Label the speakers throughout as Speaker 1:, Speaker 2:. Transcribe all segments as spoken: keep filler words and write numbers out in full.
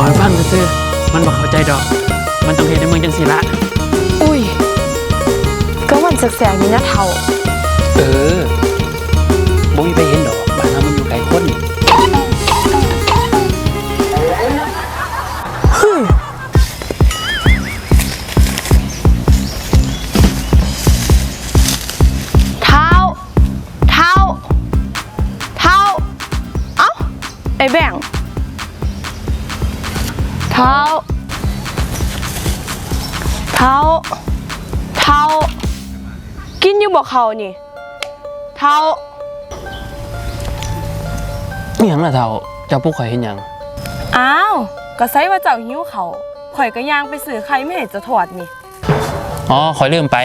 Speaker 1: บอกให้ฟังซื่อๆมันบอกเข้าใจดอกมันต้องเห็นในเมืองจังสิละ
Speaker 2: อุ้ยก็วันแสกๆนี่นะเฒ่า
Speaker 1: เออบ่มีไปเห็นดอกบ้านเรามันอยู่ไกลคน
Speaker 2: เท้าเท้าเท้าเอ้าไอ้แบ่งเท้าเท้าเท้ากินอยู่บ่เขานี่เท้า
Speaker 1: มีหยังล่ะเฒ่าเจ้าผู้ข่อยเห็นหยัง
Speaker 2: อ้าวก็ไสว่าเจ้าหิวเขาข่อยก็ย่างไปซื้อไข่ไม่ให้จะถอดนี่
Speaker 1: อ๋อข่อยลืมไป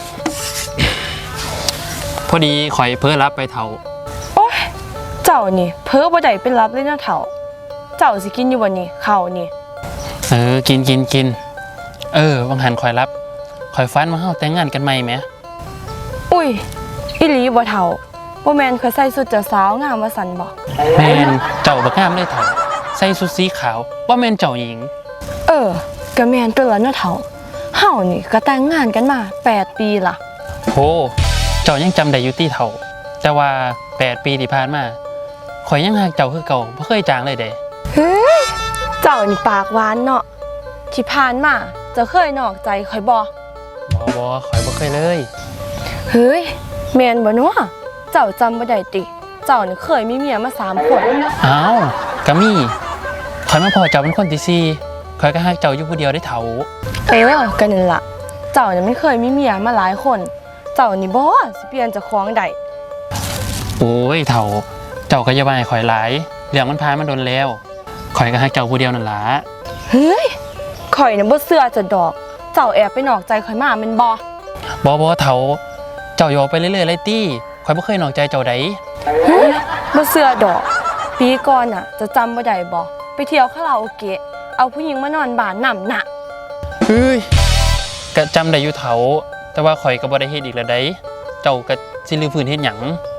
Speaker 1: พอดีข่อยเพ้อรับไปเฒ่า
Speaker 2: โอ๊ยเจ้านี่เพ้อบ่ได้เป็นรับเลยนะเฒ่าเจ้าสิกินอยู่บ่นี่ข้าวนี่
Speaker 1: เออกินกินกินเออวังหันข่อยรับข่อยฝันว่าเฮาแต่งงานกันใหม่แหม
Speaker 2: อุ้ยอีหลีบ่เฒ่าบ่แม่นข่อยใส่ชุดเจ้าสาวงามว่าซั่นบ่
Speaker 1: แม่นเจ้าบักงามเลยเฒ่าใส่ชุดสีขาวว่าแม่นเจ้าหญิง
Speaker 2: เออก็แม่นตัวละเนาะเฒ่าเฮานี่ก็แต่งงานกันมาแปดปีล่ะ
Speaker 1: โหเจ้ายังจำได้อยู่ติเฒ่าแต่ว่าแปดปีที่ผ่านมาข่อยยังฮักเจ้าคือเก่าบ่เคยจางเลยเด้
Speaker 2: เฮ้ยเจ้านี่ปากหวานเนาะที่ผ่านมาเจ้าเคยนอกใจข่อยบ่
Speaker 1: บ่บ่ข่อยบ่เคยเลย
Speaker 2: เฮ้ยแม่นบ่เนาะเจ้าจำบ่ได้ติเจ้านี่เคยมีเมียมาสามคน
Speaker 1: อ้าวก็มีข่อยมาพอเจ้าเป็นคนที่สี่ข่อยก็ฮักเจ้าอยู่ผู้เดียวได้เฒ่า
Speaker 2: เออก็นั่นล่ะเจ้านี่ไม่เคยมีเมียมาหลายคนเจ้านี่บ่สิเปลี่ยนเจ้าของได้
Speaker 1: โอ้ยเฒ่าเจ้าก็อย่าว่าให้ข่อยหลายเรื่องมันผ่านมาโดนแล้วข่อยก็ฮักเจ้าผู้เดียวนั่นล่ะ
Speaker 2: เฮ้ยข่อยน่ะบ่เชื่อจะดอกเจ้าแอบไปนอกใจข่อยมาแม่นบ่
Speaker 1: บ่บ่เฒ่าเจ้าอยู่ไปเรื่อยๆเลยตี้ข่อยบ่เคยนอกใจเจ้าใด
Speaker 2: บ่เชื่อดอกปีก่อนน่ะจะจำบ่ได้บ่ไปเที่ยวคาราโอเกะเอาผู้หญิงมานอนบ้านนำน่ะ
Speaker 1: เฮ้ยก็จำได้อยู่เฒ่าแต่ว่าข่อยก็บ่ได้เฮ็ดอีกแล้วได้เจ้าก็สิลืมพื้นเฮ็ดหยัง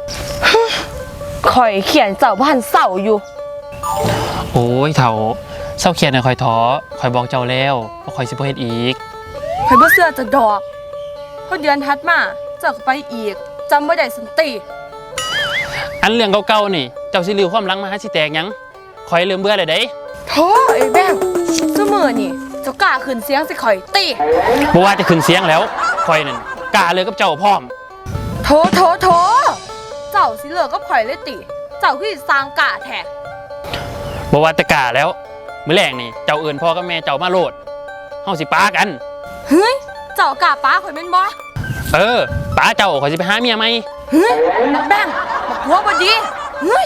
Speaker 2: ข่อยเขียนเจ้าบ้านเศร้าอยู่
Speaker 1: โอ้ยเฒ่าเศร้าเขียนให้ข่อยท้อข่อยบอกเจ้าแล้วว่าข่อยสิบ่เฮ็ดอีก
Speaker 2: ข่อยบ่เชื่อจะดอกพอเดือนถัดมาเจ้าก็ไปอีกจำบ่ได้สันติ
Speaker 1: อันเรื่องเก่าๆนี่เจ้าสิลืมความหลังมาหาสิแตกหยังข่อยลืมเบื่อเลยเด้
Speaker 2: โธ่ไอ้แบงซุมื้อนี่เจ้ากล้าขึ้นเสียงสิข่อยติ
Speaker 1: บ่ว่าจะขึ้นเสียงแล้วข่อยนั่นกล้าเลยกับเจ้าพร้อม
Speaker 2: โธ่โธ่โธ่เจ้าสิเลิกกับข่อยเลยติเจ้าคือสิสร้างกล้าแท้
Speaker 1: บ่ว่าแต่กล้าแล้วมื้อแรกนี่เจ้าเอิ้นพ่อกับแม่เจ้ามาโลดเฮาสิปากัน
Speaker 2: เฮ้ยเจ้ากล้าปาข่อยแม่นบ่
Speaker 1: เออปาเจ้าข่อยสิไปหาเมียใหม่
Speaker 2: เฮ้ยบักแบงบักหัวบ่ดีเฮ้ย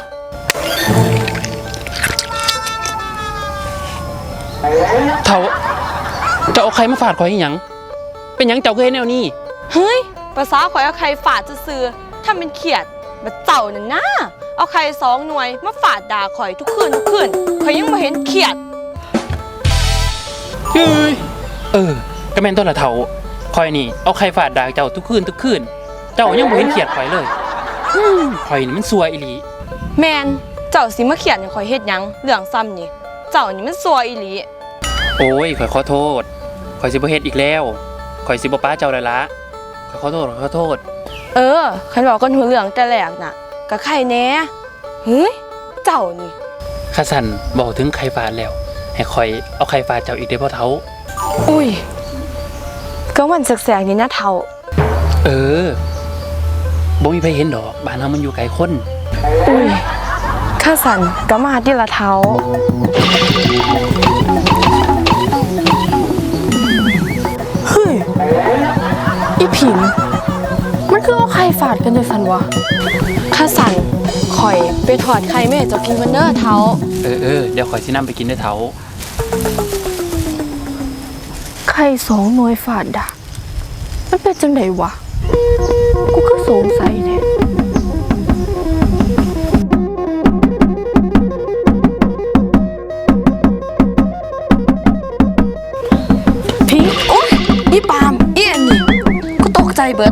Speaker 1: เฒ่าเจ้าเอาใครมาฟาดข่อยอีหยังเป็นหยังเจ้าคือเฮ็ดแนวนี้
Speaker 2: เฮ้ยภาษาข่อยเอาใครฟาดซื่อๆถ้าเป็นเขียดบัดเจ้านั่นนะเอาใครสองหน่วยมาฟาดด่าข่อยทุกคืนทุกคืนข่อยยังบ่เห็นเขียด
Speaker 1: เฮ้ยเออก็แม่นตัวละเฒ่าข่อยนี่เอาใครฟาดด่าเจ้าทุกคืนทุกคืนเจ้ายังบ่เห็นเขียดข่อยเลยข่อยนี่มันซัวอีหลี
Speaker 2: แม่นเจ้าสิมาเขียดให้ข่อยเฮ็ดหยังเรื่องซ้ำนี่เจ้านี่มันซัวอีหลี
Speaker 1: โอ้ยข่อยขอโทษข่อยสิบ่เฮ็ดอีกแล้วข่อยสิบ่ป้าเจ้าแล้วละข่อยขอโทษขอโทษ
Speaker 2: เออคันบอกกันหัวเรื่องแต่แรกน่ะก็ใครแน่เฮ้ยเจ้านี่
Speaker 1: ข้าสั่นบอกถึงใครฟาดแล้วให้ข่อยเอาใครฟาดเจ้าอีกได้บ่เฒ่า
Speaker 2: อุ้ยก็วันแสกๆนี่นะเฒ่า
Speaker 1: เออบ่มีไผเห็นดอกบ้านเฮามันอยู่ไกลคน
Speaker 2: อุ้ยข้าสั่นก็มาติละเฒ่าเฮ้ยอีผิงมันคือเอาไข่ฟาดกันด้วยสันวะข้าสั่นข่อยไปถอดไข่แม่จะกินกันเด้อเฒ่า
Speaker 1: เออเออเดี๋ยวข่อยสินำไปกินเด้อเฒ่า
Speaker 2: ไข่สองหน่วยฟาดด่ามันเป็นจังไดวะกูก็สงสัยแท้พิงโอ๊ยอีปามอีอันนี้กูตกใจเบิด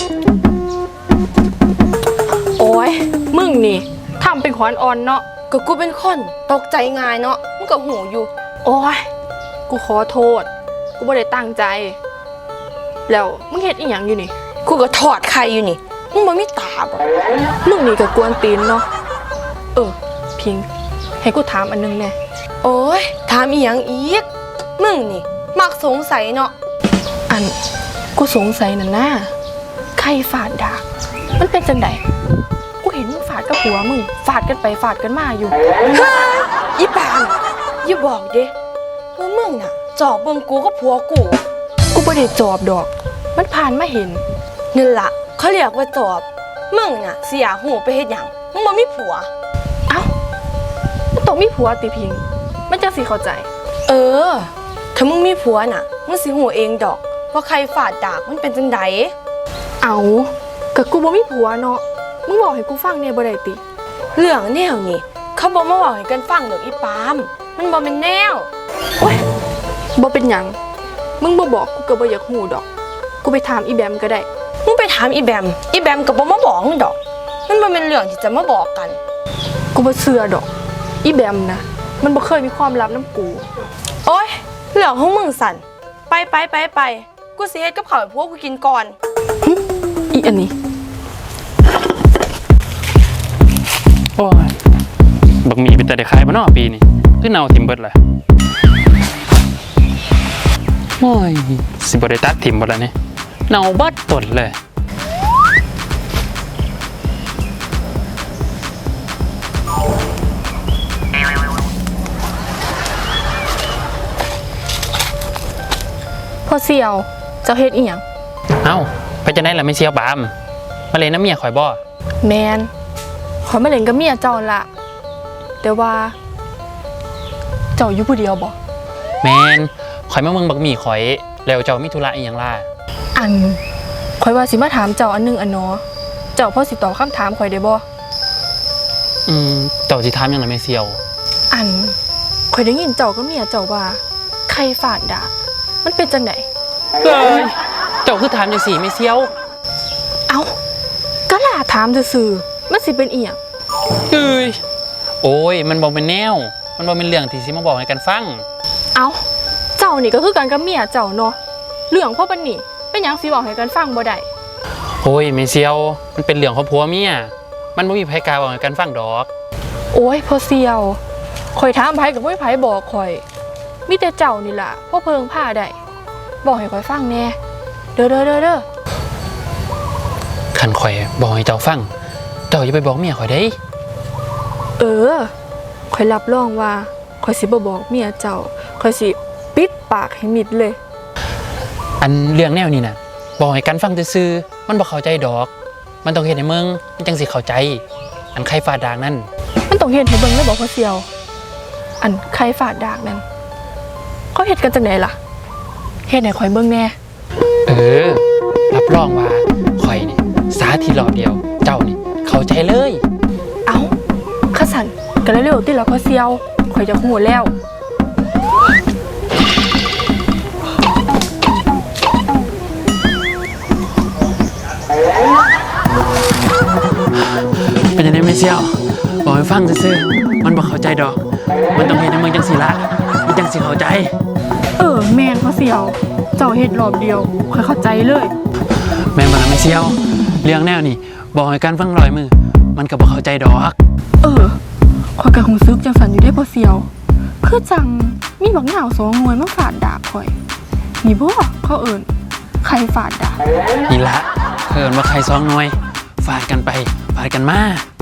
Speaker 2: โอ้ยมึงนี่ทำเป็นขวานอ่อนเนาะก็กูเป็นคนตกใจง่ายเนาะมึงก็หูอยู่โอ้ยกูขอโทษ กูไม่ได้ตั้งใจ แล้วมึงเฮ็ดอีหยังอยู่นี่
Speaker 3: กูก็ถอดไข่อยู่นี่มึงบ่มีตาบ่
Speaker 2: มึงนี่ก็กวนตีนเนาะเออพิงให้กูถามอันนึงแน่
Speaker 3: โอ้ยถามอีหยังอีกมึงนี่มักสงสัยเนาะ
Speaker 2: อันกูสงสัยนั่นนะใครฝาดดากมันเป็นจังไดกูเห็นมึงฝาดกับหัวมึงฝาดกันไปฝาดกันมาอยู่
Speaker 3: อีปานอย่าบอกเด้ว่ามึงน่ะจอบเบิ่งกูกับผัวกู
Speaker 2: กูไม่ได้จอบดอก มันผ่านมาเห็น
Speaker 3: นั่นล่ะเขาเรียกว่าจอบมึงน่ะเสียหูไปเฮ็ดหยังมึงบ่มีผัว
Speaker 2: เอ้ามันต้องมีผัวติพิง มันจะสิเข้าใจ
Speaker 3: เออถ้ามึงมีผัวน่ะมึงสิหูเองดอกว่าใครฝาดดากมันเป็นจังได
Speaker 2: เอากับกูบ่มีผัวเนาะ มึงบอกให้กูฟังเนี่ยบ่ได้ติ
Speaker 3: เรื่องแนวนี้เขาบ่มาเว้าให้กันฟังดอกอีปามมันบ่แม่นแนว
Speaker 2: โอ๊ยบ่เป็นหยัง มึงบ่บอกกูก็บ่อยากฮู้ดอก กูไปถามอีแบมก็ได้
Speaker 3: มึงไปถามอีแบมอีแบมก็บ่มาบอกมึงดอกมันบ่แม่นเรื่องที่จะมาบอกกัน
Speaker 2: กูบ่เชื่อดอก อีแบมนะ มันบ่เคยมีความลับน้ำกู
Speaker 3: โอ๊ยเรื่องของมึงสั่นไปไปไปไปกูสิเฮ็ดกับข้าวให้พวกกูกินก่อน
Speaker 2: อีอันนี้
Speaker 1: โอ้ยบักหมีเป็นแต่ได้ขายบ่เนาะปีนี้คือเน่าทิ่มเบิดเลยโอ้ยสิบ่ได้ตัดทิ่มบ่ล่ะนี่เน่าเบิดต้นเลย
Speaker 2: พอเสี่ยว เจ้าเฮ็ดอีหยัง
Speaker 1: เอ้าไปจะได้ล่ะไม่เสียวบามมาเลยน้ำเมียข่อยบ่
Speaker 2: แมนขอยมาเล่นกับเมียเจ้าละแต่ว่า เจ้าอยู่ผู้เดียวบ่
Speaker 1: แมนข่อยมาเมืองบักหมีข่อยแล้วเจ้ามีธุระอีหยังล่ะ
Speaker 2: อันข่อยว่าสิมาถามเจ้าอันหนึงอันเนาะเจ้าพอสิตอบคำถามข่อยได้บ่
Speaker 1: อืมเจ้าสิถามหยังล่ะแม่เสียว
Speaker 2: อันข่อยได้ยินเจ้ากับเมียเจ้าว่าใครฝาดดากมันเป็นจังได
Speaker 1: เอ้ยเจ้าคือถามจังซี่แม่เสียว
Speaker 2: เอ้าก็ล่าถามซื่อๆมันสิเป็นอีหยัง
Speaker 1: เอ้ยโอ้ยมันบ่เป็นแนว มันบ่เป็นเรื่องที่สิมาบอกให้กันฟัง
Speaker 2: เอ้าเจ้านี่ก็คือกันกับเมียเจ้าเนาะเรื่องพ่อปานนี่เป็นหยังสิบอกให้กันฟังบ่ได้
Speaker 1: โอ้ยแม่เสียวมันเป็นเรื่องของผัวเมียมันบ่มีไผกล้าบอกให้กันฟังดอก
Speaker 2: โอ้ยพ่อเสี่ยวข่อยถามไผก็บ่มีไผบอกข่อยมีแต่เจ้านี่ล่ะพ่อเพิงผ้าได้บอกให้ข่อยฟังแน่เด้อเด้อเด้อเด้อ
Speaker 1: คันข่อยบอกให้เจ้าฟังเจ้าอย่าไปบอกเมียข่อยเด้
Speaker 2: เออข่อยรับรองว่าข่อยสิบ่บอกเมียเจ้าข่อยสิปิดปากให้มิดเลย
Speaker 1: อันเรื่องแนวนี้น่ะบอกให้กันฟังซื่อๆมันบ่เข้าใจดอก มันต้องเฮ็ดให้มึงมันจังสิเข้าใจ อันใครฟาดดางนั่น
Speaker 2: มันต้องเฮ็ดให้เบิ่งเลยบอกพ่อเสี่ยว อันใครฝาดดากนั่นเขาเฮ็ดกันจังไดล่ะเฮ็ดให้ข่อยเบิ่งแน่
Speaker 1: เออรับรองว่าข่อยนี่สาธิตรอบเดียว เจ้านี่เข้าใจเลย
Speaker 2: เอ้าข้าสั่นก็เร็วๆติล่ะพ่อเสี่ยวข่อยจะฮู้แล้ว
Speaker 1: เป็นยังไงไม่เชี่ยวบอกให้ฟังซื่อๆมันบ่เข้าใจดอก มันต้องเฮ็ดให้มึงจังสิละมันจังสิเข้าใจ
Speaker 2: เออแม่นพ่อเสี่ยว เจ้าเฮ็ดรอบเดียวข่อยเข้าใจเลย
Speaker 1: แม่นบ่ล่ะไม่เชี่ยว เรื่องแนวนี่บอกให้กันฟังร้อยมือมันก็บ่เข้าใจดอก
Speaker 2: เออข่อยก็รู้สึกจังสั่นอยู่ได้พ่อเสี่ยว คือจังมีบักหนาวสองหน่วยมาฝาดดากข่อยนี่บ่เขาเอิ้นใครฝาดดาก
Speaker 1: นี่ละเพิ่นว่าใครซองหน่วยฟาดกันไปฟาดกันมา